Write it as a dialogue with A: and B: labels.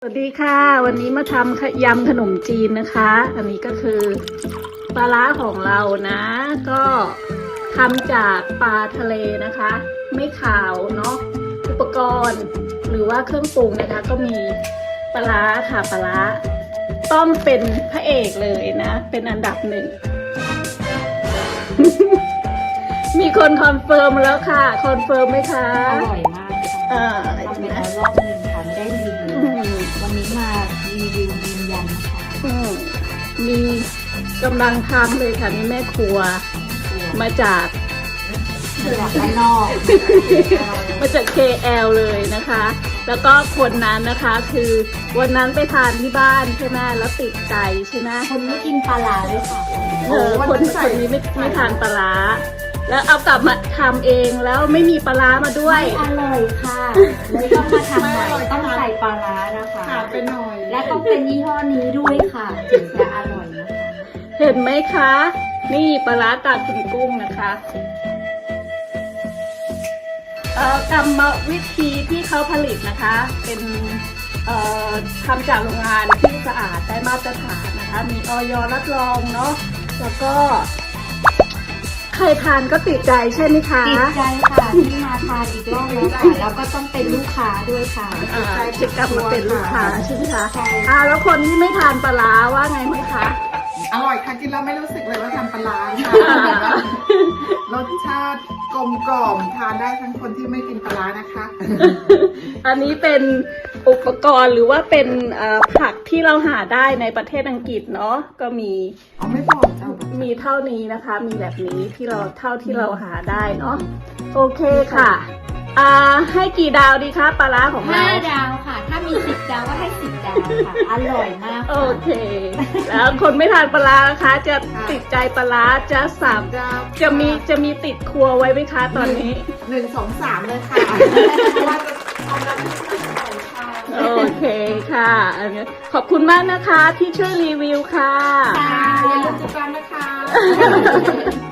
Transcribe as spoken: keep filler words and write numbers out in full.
A: สวัสดีค่ะวันนี้มาทำยำขนมจีนนะคะอันนี้ก็คือปลาร้าของเรานะก็ทำจากปลาทะเลนะคะไม่ขาวเนาะอุปกรณ์หรือว่าเครื่องปรุงนะคะก็มีปลาร้าค่ะปลาร้าต้องเป็นพระเอกเลยนะเป็นอันดับหนึ่ง มีคนคอนเฟิร์มแล้วค่ะคอนเฟิร์มไหมคะ
B: อร่อยมากค่ะ
A: อ่า
B: ทำไปแล้วรอบหนึ่งค่ะไม่ได้รีวิววันนี้มารีวิวยืนยันนะคะ
A: อืมมีกำลังทำเลยค่ะนี่แม่ครัวมาจาก
B: จากด้านนอก
A: มาจาก เค แอล เลยนะคะ แล้วก็คนนั้นนะคะคือวันนั้นไปทานที่บ้านใช่ไหมแล้วติดใจใช่ไหม
B: คนไม่กินปลาร้าด้วยค่ะ
A: เออคนคนนี้ไม่ไม่ทานปลาร้าแล้วเอากลับมาทำเองแล้วไม่มีปลาร้ามาด้วย
B: ไม่อร่อยค่ะเลยต้องมาทำใหม่ต้องใส่ปลาร้านะคะ
C: ขาดไปหน่อย
B: และต้องเป็นยี่ห้อนี้ด้วยค่ะถึงจะอร่อยนะคะ
A: เห็นไหมคะ นี่ปลาร้าตาคุณกุ้งนะคะเอ่อกรรมวิธีที่เขาผลิตนะคะ เป็นเอ่อทำจากโรงงานที่สะอาดได้มาตรฐานนะคะ มีออยรับรองเนาะแล้วก็ใครทานก็ติดใจใช่ไหมคะ
B: ติดใจค่ะที่มาทานอีกรอบแล้วค่ะแล้วก็ต้องเป็นลูกค้าด้วยค่ะ
A: อ่าจะกลับมาเป็นลูกค้าใช่ไหมคะ
B: ใช่
A: อ่าแล้วคนที่ไม่ทานปลาร้าว่าไงไหมคะ
C: อร่อยค่ะกินแล้วไม่รู้สึกเลยว่าทำปลาร้าค่ะรสชาติกลมกล่อมทานได้ทั้งคนที่ไม่กินปลาร้านะคะ
A: อันนี้เป็นอุปกรณ์หรือว่าเป็นเอ่อผักที่เราหาได้ในประเทศอังกฤษเนาะก็มี
C: อ๋อไม่บอกเจ้า
A: มีเท่านี้นะคะ มีแบบนี้ที่เราเท่าที่เราหาได้เนาะโอเคค่ะอ่าให้กี่ดาวดีคะปลาร้าของเรา
B: ห้าดาวค่ะ ถ้ามีสิบดาวก็ให้สิบดาวค่ะ อร่อยมาก
A: โอ
B: ค่ะ
A: เค แล้วคนไม่ทานปลาร้านะคะ จะติดใจปลาร้าจะสาม
C: เจ้า
A: จะมีจะมีติดครัวไว้ไหมคะตอนนี้
C: หนึ่งสองสามเลยค่ะเพราะว่าจะทำน้ำพริกใส่ค่ะ
A: โอเคค่ะอันนี้ขอบคุณมากนะคะที่ช่วยรีวิวค่ะ
B: ค่ะ
C: อย่าลืมติดตามนะคะ